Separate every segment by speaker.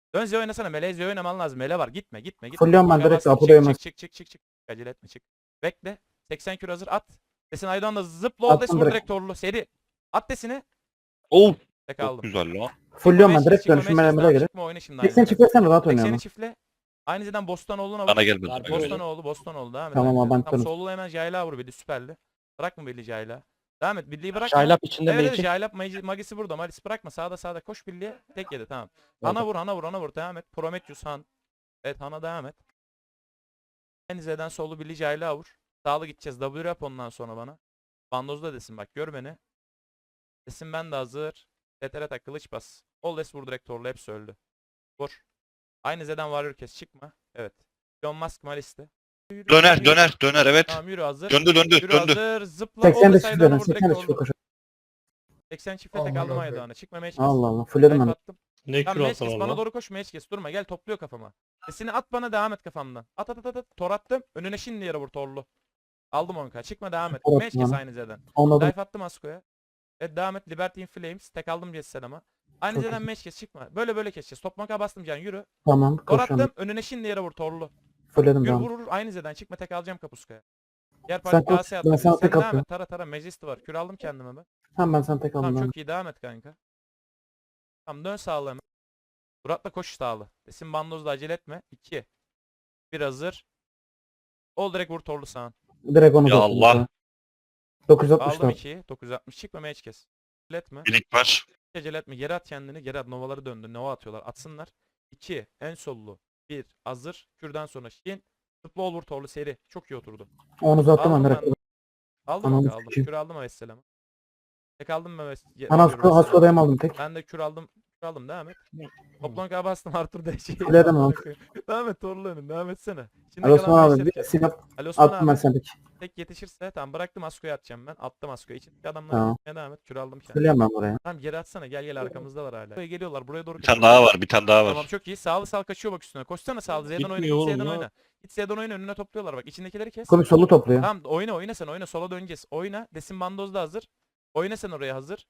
Speaker 1: Dön Z oynasana. Mele Z oynaman lazım. Mele var. Gitme.
Speaker 2: Fulliyorum ben direkt
Speaker 1: Bastım.
Speaker 2: Apo'da yemez.
Speaker 1: Çık. Acele etme çık. Bekle. 80 kür hazır at. Desin Aydoğan da zıpla ol des
Speaker 2: Attım
Speaker 1: vur
Speaker 2: direkt.
Speaker 1: direkt torlu. Seri. At desini.
Speaker 3: Oh.
Speaker 1: Tek
Speaker 3: Çok
Speaker 1: aldım.
Speaker 3: güzel lan.
Speaker 2: Fulliyorum ben direkt
Speaker 1: Çıkma
Speaker 2: dönüşüm
Speaker 1: meşkes.
Speaker 2: melemele göre.
Speaker 1: Çıkma oyna şimdi aynı
Speaker 2: 80
Speaker 1: zeden.
Speaker 2: çiftlersen rahat
Speaker 1: 80'i
Speaker 2: oynuyorum.
Speaker 1: çiftle. Aynı zeden Bostonoğlu'na vur.
Speaker 3: Bana gelmedi. Bana gelmedi.
Speaker 1: Bostonoğlu devam et.
Speaker 2: Tamam,
Speaker 1: aynı zeden.
Speaker 2: ben
Speaker 1: Tam
Speaker 2: dönüyorum.
Speaker 1: sollu hemen Jayla vur Billy süperli. Bırakma Billy Jayla. Devam et. Billy'yi bırakma.
Speaker 4: Şaylap içinde
Speaker 1: Evet
Speaker 4: Magic.
Speaker 1: Jaylap Magisi burada. Malis bırakma. Sağda koş Billy'ye. Tek yedi tamam. Hana vur. Devam et. Prometheus Han. Evet Han'a devam et. En Z'den solu Billy Jayla vur. Sağlı gideceğiz. W yap ondan sonra bana. Bandozda desin bak gör beni. Desin ben de hazır. TTR kılıç bas. Oldes vur direkt torlu hepsi öldü. Vur. Aynı Z'den Warrior kes çıkma. Evet. Elon Musk Malis'te.
Speaker 3: Döner evet.
Speaker 1: Tamam yürü hazır.
Speaker 3: Döndü.
Speaker 1: Yürü hazır. Zıpla.
Speaker 2: 80 de
Speaker 1: Oldes
Speaker 2: çift
Speaker 1: Aydoğan'a
Speaker 2: verin.
Speaker 1: vur direkt
Speaker 2: 80 de çift
Speaker 1: torlu.
Speaker 2: koşar.
Speaker 1: 80 çifte tek aldım Aydoğan'a. Çıkma meç kes.
Speaker 2: Allah Allah. Fulledim ben.
Speaker 1: Attım.
Speaker 5: Ne
Speaker 1: Tamam
Speaker 5: kür
Speaker 1: meç
Speaker 5: alsam
Speaker 1: kes bana
Speaker 5: Allah.
Speaker 1: doğru koş meç kes. Durma gel topluyor kafama. Sesini at bana devam et kafamdan. At. Tor attım. Önüne şimdi yere vur torlu. Aldım 10k. Çıkma devam et.
Speaker 2: Tor
Speaker 1: Meç
Speaker 2: attım
Speaker 1: kes
Speaker 2: bana.
Speaker 1: aynı Z'den.
Speaker 2: Anladım.
Speaker 1: Dive attım Asko'ya. Evet devam et. Liberty in Flames. Tek aldım Jesse ama. Aynı
Speaker 2: Çok
Speaker 1: Z'den
Speaker 2: iyi.
Speaker 1: meç kes çıkma. Böyle keseceğiz. Topmaka bastım can yürü.
Speaker 2: Tamam.
Speaker 1: Tor
Speaker 2: Koşuyorum.
Speaker 1: attım. Önüne şimdi yere vur torlu.
Speaker 2: Fulledim
Speaker 1: Yürü
Speaker 2: ben.
Speaker 1: vur. Aynı Z'den çıkma tek alacağım kapuskaya. Diğer
Speaker 2: Sen
Speaker 1: parti
Speaker 2: koş,
Speaker 1: KS
Speaker 2: ben
Speaker 1: attım.
Speaker 2: sana
Speaker 1: Sen
Speaker 2: tek
Speaker 1: devam
Speaker 2: atıyorum.
Speaker 1: et. Tara. Majesty var. Kür aldım kendime ben.
Speaker 2: Tamam ben sana tek aldım.
Speaker 1: Tamam
Speaker 2: Tamam,
Speaker 1: çok iyi devam et kanka. Tamam dön sağlı hemen. Murat'la koş sağlı. Desin bandozda acele etme. 2. Bir hazır. Ol direkt vur torlu sağın.
Speaker 2: direkt onu
Speaker 3: Ya
Speaker 2: da
Speaker 3: Allah.
Speaker 2: attım.
Speaker 1: Aldım
Speaker 2: 964.
Speaker 1: 2'yi. 960 çıkma meç kes. Acele etme.
Speaker 3: Birik var.
Speaker 1: Acele etme. Geri at kendini. Geri at. Novaları döndü. Nova atıyorlar. Atsınlar. 2. En sollu. 1. Hazır. Kürden sonra Şin. Zıpla ol vur torlu seri. Çok iyi oturdu.
Speaker 2: Onu uzattım ben
Speaker 1: Aldım
Speaker 2: direkt.
Speaker 1: ben. Aldım
Speaker 2: Ananı
Speaker 1: mı aldım.
Speaker 2: sikeyim.
Speaker 1: Kür aldım Vesselam'ı. Tek aldım mı
Speaker 2: Ben Hasko'dayım aldım tek.
Speaker 1: Ben de kür aldım. Kür aldım devam et. Toplan K bastım Arthur da şey.
Speaker 2: Fulledim abi.
Speaker 1: Devam et torlu önün. Devam etsene. Şimdi
Speaker 2: Ali Osman
Speaker 1: kalan
Speaker 2: abi
Speaker 1: beşleri
Speaker 2: bir
Speaker 1: kes.
Speaker 2: silah
Speaker 1: Ali Osman
Speaker 2: attım ben
Speaker 1: abi.
Speaker 2: sana tek.
Speaker 1: Tek yetişirse tamam bıraktım Asko'ya atacağım ben. Attım Asko'ya. İçindeki adamlara
Speaker 2: Tamam.
Speaker 1: gitmeye devam et. Kür aldım kendime.
Speaker 2: Fulliyorum ben buraya.
Speaker 1: Tamam geri atsana gel arkamızdalar hala. Buraya geliyorlar buraya doğru
Speaker 3: Bir tane daha var.
Speaker 1: Tamam
Speaker 3: var.
Speaker 1: çok iyi. Sağlı kaçıyor bak üstüne. Koşsana sağlı. Z'den oyna.
Speaker 5: Bitmiyor
Speaker 1: Git
Speaker 5: oğlum
Speaker 1: Z'den
Speaker 5: ya.
Speaker 1: oyna. Git Z'den oyna önüne topluyorlar bak. İçindekileri kes.
Speaker 2: Komik solu topluyor.
Speaker 1: Tamam oyna sen oyna. Sola döneceğiz. Oyna. Desin bandoz da hazır. Oyna sen oraya hazır.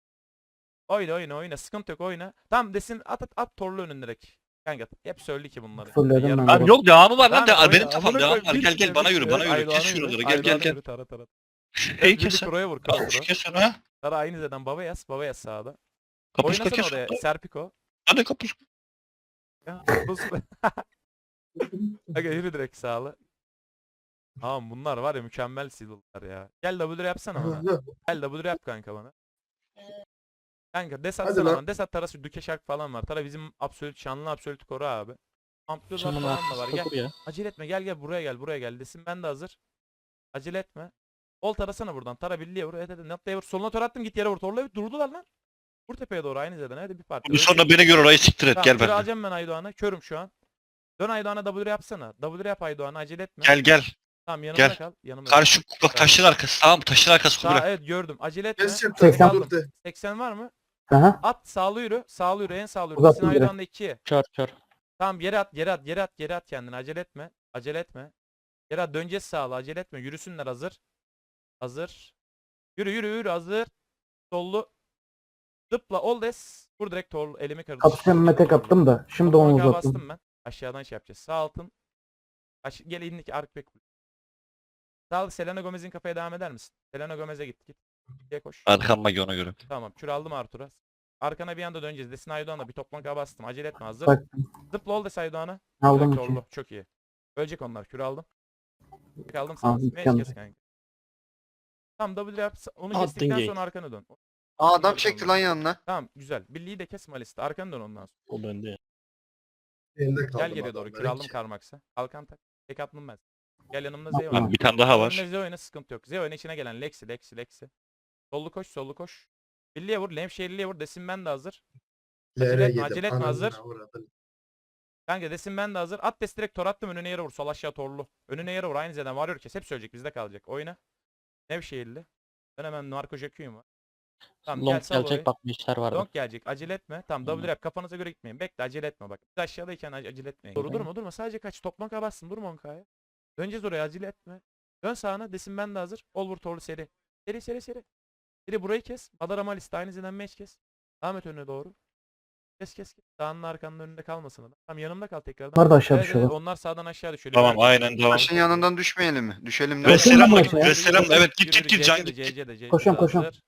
Speaker 1: Oyna. Sıkıntı yok oyna. Tamam desin at torlu önün direkt. Kanka hep söyledi ki bunları.
Speaker 2: Fullledim
Speaker 1: Yarım-
Speaker 2: ben.
Speaker 3: Abi yok devamı var lan.
Speaker 1: Tamam, oyna.
Speaker 3: Benim kafam
Speaker 1: Amına
Speaker 3: devam
Speaker 1: koyayım,
Speaker 3: var.
Speaker 1: bir
Speaker 3: Gel bana
Speaker 1: kere,
Speaker 3: yürü. Bana
Speaker 1: evet,
Speaker 3: yürü. Kes
Speaker 1: Aydoğan'a
Speaker 3: şuraları.
Speaker 1: yürü,
Speaker 3: Gel.
Speaker 1: Aydoğan'a yürü, Tara.
Speaker 3: Hey
Speaker 1: Bir
Speaker 3: kes.
Speaker 1: Kuro'ya vur
Speaker 3: Kapus
Speaker 1: Kastro.
Speaker 3: kes onu ha.
Speaker 1: Tara aynı zeden baba yaz sağda.
Speaker 3: Kapus
Speaker 1: Oynasana
Speaker 3: kes.
Speaker 1: oraya Serpiko.
Speaker 3: Hadi kapus.
Speaker 1: Ya, Aga yürü direkt sağlı. Tamam bunlar var ya mükemmel seedler ya. Gel W yapsana bana. Gel W yap kanka bana. Kanka des
Speaker 6: Hadi
Speaker 1: atsana
Speaker 6: lan.
Speaker 1: bana. Des at Tarası Düke Şark falan var. Tara bizim şanlı absolut koru abi. Ampliyozlar
Speaker 4: Şunun
Speaker 1: falan da var.
Speaker 4: arkasında
Speaker 1: Gel.
Speaker 4: kur ya.
Speaker 1: Acele etme gel buraya gel. Desin ben de hazır. Acele etme. Ol tarasana buradan. Tara birliğe vur. Evet. Noktaya vur. Soluna tor attım git yere vur. Torla evet durdular lan. Vur tepeye doğru aynı zeden. Hadi bir parti.
Speaker 3: Bir sonra beni gör orayı siktir et.
Speaker 1: Tamam,
Speaker 3: Gel
Speaker 1: kür
Speaker 3: benimle.
Speaker 1: alacağım ben Aydoğan'a. Körüm şu an. Dön Aydoğan'a W yapsana. W yap Aydoğan'a acele etme.
Speaker 3: Gel.
Speaker 1: Tamam yanımda
Speaker 3: gel.
Speaker 1: kal. Yanımda
Speaker 3: Karşı bak taşın arkası. Tamam taşın arkası
Speaker 1: Sağ,
Speaker 3: kubra.
Speaker 1: evet gördüm. Acele etme.
Speaker 6: Keseceğim.
Speaker 2: 80.
Speaker 6: Dur de.
Speaker 1: 80 var mı?
Speaker 2: Aha.
Speaker 1: At sağlı yürü. Sağlı yürü. En sağlı yürü.
Speaker 2: Uzattım
Speaker 1: Desin
Speaker 2: direkt.
Speaker 1: Aydoğan'da 2'ye.
Speaker 4: Kör.
Speaker 1: Tamam geri at kendini. Acele etme. Geri at döneceğiz sağlı. Acele etme. Yürüsünler hazır. Yürü hazır. Sollu. Zıpla ol des. Vur direkt torlu. Elimi kırdı.
Speaker 2: Kapışmamı tek attım da. Şimdi onu
Speaker 1: Toplamaya
Speaker 2: uzattım.
Speaker 1: bastım ben. Aşağıdan şey yapacağız. Sağ altın. Gel indiki ark bek. Sağ Selena Gomez'in kafaya devam eder misin? Selena Gomez'e git. Diye koş.
Speaker 3: Arkam magi ona göre.
Speaker 1: Tamam kür aldım Artur'a. Arkana bir anda döneceğiz. Desin Aydoğan'a bir toplanka bastım. Acele etme hazır.
Speaker 2: Bak
Speaker 1: Zıpla ol des Aydoğan'a.
Speaker 2: aldım
Speaker 1: Direkt
Speaker 2: iki.
Speaker 1: torlu. Çok iyi. Ölecek onlar. Kür aldım. Tek aldım
Speaker 2: Aldım,
Speaker 1: sana.
Speaker 2: iki
Speaker 1: Meş
Speaker 2: aldım.
Speaker 1: kes kanka. Tamam W yap. Onu
Speaker 4: Attın
Speaker 1: kestikten
Speaker 4: gate.
Speaker 1: sonra arkana dön.
Speaker 6: Aa adam çekti lan yanına.
Speaker 1: Tamam güzel. Birliği de kes Malis'te. Arkana dön ondan sonra.
Speaker 5: O bende ya.
Speaker 6: Elinde kaldım.
Speaker 1: Gel geriye doğru. Kür aldım Karmax'a. Kalkan tak. Tek attım ben. Gel yanımda Z
Speaker 2: Tamam.
Speaker 1: oyna.
Speaker 3: Abi bir tane daha var.
Speaker 1: Önüne Z oyna sıkıntı yok. Z oyna içine gelen Lexi. Sollu koş. Birliğe vur. Lemşehirli'ye vur. Desin ben de hazır. Acele etme, hazır. Kanka desin ben de hazır. At des direkt tor attım önüne yere vur. Sol aşağı torlu. Önüne yere vur. Aynı zeden varıyor kes. Hep söyleyecek bizde kalacak. Oyna. Nevşehirli. Ben hemen Narko Jacqueline var. Tamam gel
Speaker 4: Long
Speaker 1: sal orayı.
Speaker 4: gelecek bak bir işler vardı.
Speaker 1: Donk gelecek. Acele etme. Tamam W yap. Kafanıza göre gitmeyin. Bekle acele etme bak. Biz aşağıdayken acele etmeyin. Doğru durma. Sadece kaç. Toplan kabarsın. Durma 10k'ya. Döneceğiz oraya acele etme. Dön sağına. Desin ben de hazır. Ol vur torlu seri. Seri. Seri burayı kes. Madara Malis de aynı zeden meç kes. Devam et önüne doğru. Kes. Dağının arkanın önünde kalmasın adam. Tamam yanımda kal tekrardan.
Speaker 2: Bunlar da aşağı
Speaker 1: Evet,
Speaker 2: düşüyorlar.
Speaker 1: onlar sağdan aşağı düşüyor.
Speaker 3: Tamam
Speaker 1: Liberal.
Speaker 3: aynen devam.
Speaker 6: Taşın yanından düşmeyelim mi? Düşelim de.
Speaker 2: Veselam
Speaker 3: Veselam
Speaker 2: mı?
Speaker 3: Veselam evet
Speaker 1: Yürü,
Speaker 3: git
Speaker 1: yürü,
Speaker 3: can
Speaker 1: CC'de,
Speaker 3: git.
Speaker 1: CC'de,
Speaker 2: Koşuyorum,
Speaker 1: hazır.
Speaker 2: koşuyorum.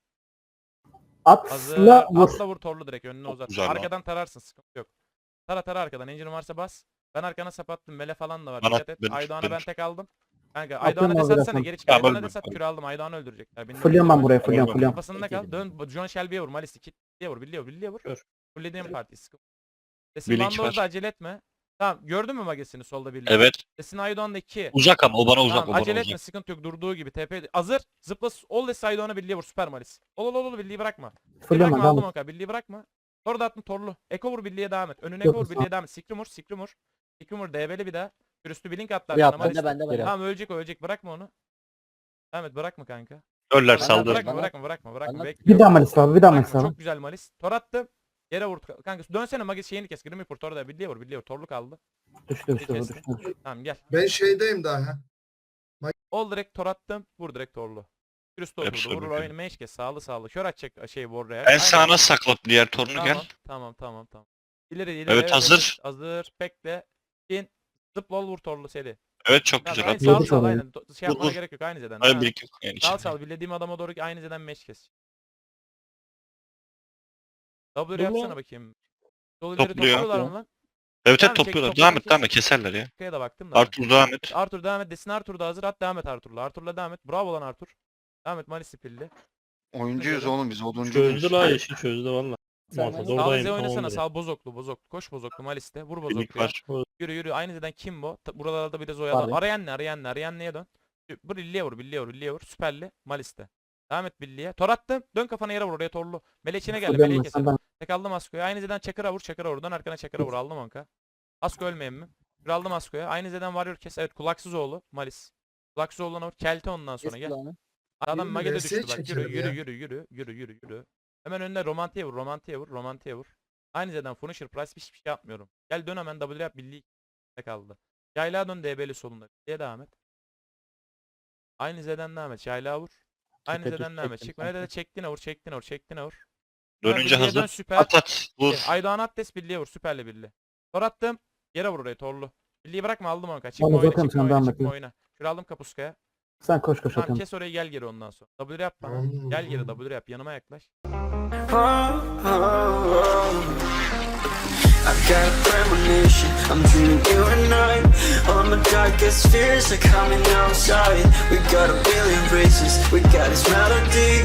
Speaker 2: Atla vur.
Speaker 1: Atla vur torlu direkt önüne
Speaker 3: Çok
Speaker 1: uzat.
Speaker 3: güzel lan.
Speaker 1: Arkadan tararsın sıkıntı yok. Tara arkadan. Engine'in varsa bas. Ben arkana sapattım. Mele falan da var.
Speaker 3: Bana-
Speaker 1: Dikkat et.
Speaker 3: benim-
Speaker 1: Aydoğan'a
Speaker 3: benim-
Speaker 1: ben tek aldım. Kanka
Speaker 2: Atıyorum
Speaker 1: Aydoğan'a
Speaker 2: abi
Speaker 1: des atsana
Speaker 2: zaten.
Speaker 1: geri çık.
Speaker 3: Tamam,
Speaker 1: Aydoğan'a
Speaker 3: öldüm,
Speaker 1: des at
Speaker 3: öldüm.
Speaker 1: kür aldım. Aydoğan'ı öldürecekler. Beni
Speaker 2: Fırlıyorum ben
Speaker 1: öldürecekler.
Speaker 2: buraya. Fırlıyorum.
Speaker 1: Kafasında kal. Dön John Shelby'ye vur. Malis'i kitliye vur. Billiye vur.
Speaker 3: Kör.
Speaker 1: Fullediğim parti sıkıntı. Desin
Speaker 3: Birlik
Speaker 1: Bandoz'da
Speaker 3: var.
Speaker 1: acele etme. Tamam gördün mü Magesini solda birliği?
Speaker 3: Evet.
Speaker 1: Desin Aydoğan'da 2.
Speaker 3: Uzak ama o bana uzak
Speaker 1: Tamam
Speaker 3: o bana
Speaker 1: acele etme
Speaker 3: uzak.
Speaker 1: sıkıntı yok durduğu gibi TP hazır zıpla ol des Aydoğan'a birliğe vur süper Malis. Ol birliği bırakma.
Speaker 2: Fırlıyorum
Speaker 1: Bırakma
Speaker 2: ben.
Speaker 1: aldım
Speaker 2: Devam et.
Speaker 1: oka birliği bırakma. Sonra da attın torlu. Eko vur birliğe devam et. Önüne
Speaker 2: Yok,
Speaker 1: Eko vur
Speaker 2: sağ ol.
Speaker 1: birliğe devam et. Sikrimur. Sikrimur DB'li bir daha. Üstü blink atlar
Speaker 4: Ya
Speaker 1: sana Malis.
Speaker 4: bende.
Speaker 1: Tamam ölecek bırakma onu. Devam et bırakma kanka.
Speaker 3: Öller
Speaker 4: Bana
Speaker 3: saldır.
Speaker 4: bırak.
Speaker 1: Bırakma.
Speaker 4: Bana-
Speaker 1: Bekliyorum.
Speaker 2: Bir daha Malis abi. Bir daha Malis
Speaker 1: Bırakma,
Speaker 2: abi.
Speaker 1: çok güzel Malis. Tor attım. Yere vur kanka. Dönsene Magis şeyini kes. Grimmy vur. Tor da birliğe vur. Torlu kaldı.
Speaker 2: Düştü.
Speaker 1: Kestim. Tamam gel.
Speaker 6: Ben şeydeyim daha.
Speaker 1: Ol direkt tor attım. Vur direkt torlu. Üstü
Speaker 3: Hepsi
Speaker 1: oturdu. Vurur
Speaker 3: öldü.
Speaker 1: oyunu meş kes. Sağlı. Kör atacak şey Warrior.
Speaker 3: Ben sağına sakla diğer torunu gel.
Speaker 1: Tamam. İleri.
Speaker 3: Evet, hazır.
Speaker 1: Hazır. Bekle. İn. Zıpla ol vur torlu seri.
Speaker 3: Evet çok
Speaker 1: Tamam,
Speaker 3: güzel.
Speaker 1: aynı
Speaker 3: Hadi.
Speaker 2: Yolu
Speaker 1: sağ
Speaker 2: çalıyor.
Speaker 1: aynen. Şey yapmana
Speaker 3: Vur.
Speaker 1: gerek yok aynı zeden.
Speaker 3: Hayır
Speaker 1: Ha.
Speaker 3: bir iki yok yani
Speaker 1: Sağ
Speaker 3: içinde.
Speaker 1: bilediğim adama doğru aynı zeden meş kes. W yapsana bakayım. Yol ileri
Speaker 3: Topluyor.
Speaker 1: topluyorlar mı lan?
Speaker 3: Evet
Speaker 1: Tamam,
Speaker 3: evet
Speaker 1: çek,
Speaker 3: topluyorlar.
Speaker 1: toplamak
Speaker 3: Devam et keserler ya.
Speaker 1: Arkaya da baktım da.
Speaker 3: Artur devam et.
Speaker 1: Arthur devam et. Desin Arthur da hazır. At devam et Arthur'la. Arthur'la devam et. Bravo lan Arthur. Devam et Malis pilli.
Speaker 6: Oyuncuyuz oğlum biz oduncu
Speaker 5: Çözdü
Speaker 6: muyuz?
Speaker 5: la işi çözdü valla. Muhafaz
Speaker 1: Sağ
Speaker 5: oradayım
Speaker 1: bize oynasana.
Speaker 5: tamamdır.
Speaker 1: Sağ bozoklu. Koş bozoklu Malis'te. Vur
Speaker 3: Birlik
Speaker 1: bozokluya.
Speaker 3: var.
Speaker 1: Yürü. Aynı zeden Kimbo. Buralarda bir de Zoya'da.
Speaker 2: Abi.
Speaker 1: Arayanne'ye dön. Vur Billi'ye vur. Süperli. Malis'te. Devam et Billi'ye. Tor attım. Dön kafana yere vur oraya torlu. Meleğine geldi. Meleği keselim. Tek aldım Asko'ya. Aynı zeden Çakır'a vur. Dön arkana Çakır'a vur. Aldım onka. Asko ölmeyin mi? Bir aldım Asko'ya. Aynı zeden Warrior kes. Evet kulaksız oğlu. Malis. Kulaksız oğluna vur. Kelte ondan sonra gel. Adam
Speaker 6: Benim
Speaker 1: Mage'de
Speaker 6: VS
Speaker 1: düştü bak.
Speaker 6: çekelim ya.
Speaker 1: Yürü. Hemen önüne romantiye vur. Aynı zeden Punisher Price hiçbir şey yapmıyorum. Gel dön hemen W yap birliği kaldı. Yaylağa dön DB'li solunda. Diye devam et. Aynı zeden devam et. Yaylağa vur. Aynı
Speaker 4: Tepe
Speaker 1: zeden devam et.
Speaker 4: çektim
Speaker 1: Çık. Öne de çektiğine vur.
Speaker 3: Dönünce
Speaker 1: Birliğe dön,
Speaker 3: hazır.
Speaker 1: süper.
Speaker 3: At vur.
Speaker 1: Aydoğan Attes birliğe vur. Süperle birliğe. Tor attım. Yere vur oraya torlu. Birliği bırakma aldım onka. Çıkma
Speaker 2: Bana
Speaker 1: oyna.
Speaker 2: zaten
Speaker 1: Çıkma
Speaker 2: sen devam
Speaker 1: oyna.
Speaker 2: et
Speaker 1: Çıkma
Speaker 2: ya.
Speaker 1: oyna. Şuraya aldım kapuskaya.
Speaker 2: Sen koş
Speaker 1: Tamam
Speaker 2: atıyorum.
Speaker 1: kes orayı gel geri ondan sonra. W yap bana.
Speaker 6: Hmm.
Speaker 1: Gel geri W yap. Yanıma yaklaş.
Speaker 7: I've got a premonition, I'm dreaming you and I. All my darkest fears are coming outside. We got a billion races, we got this melody.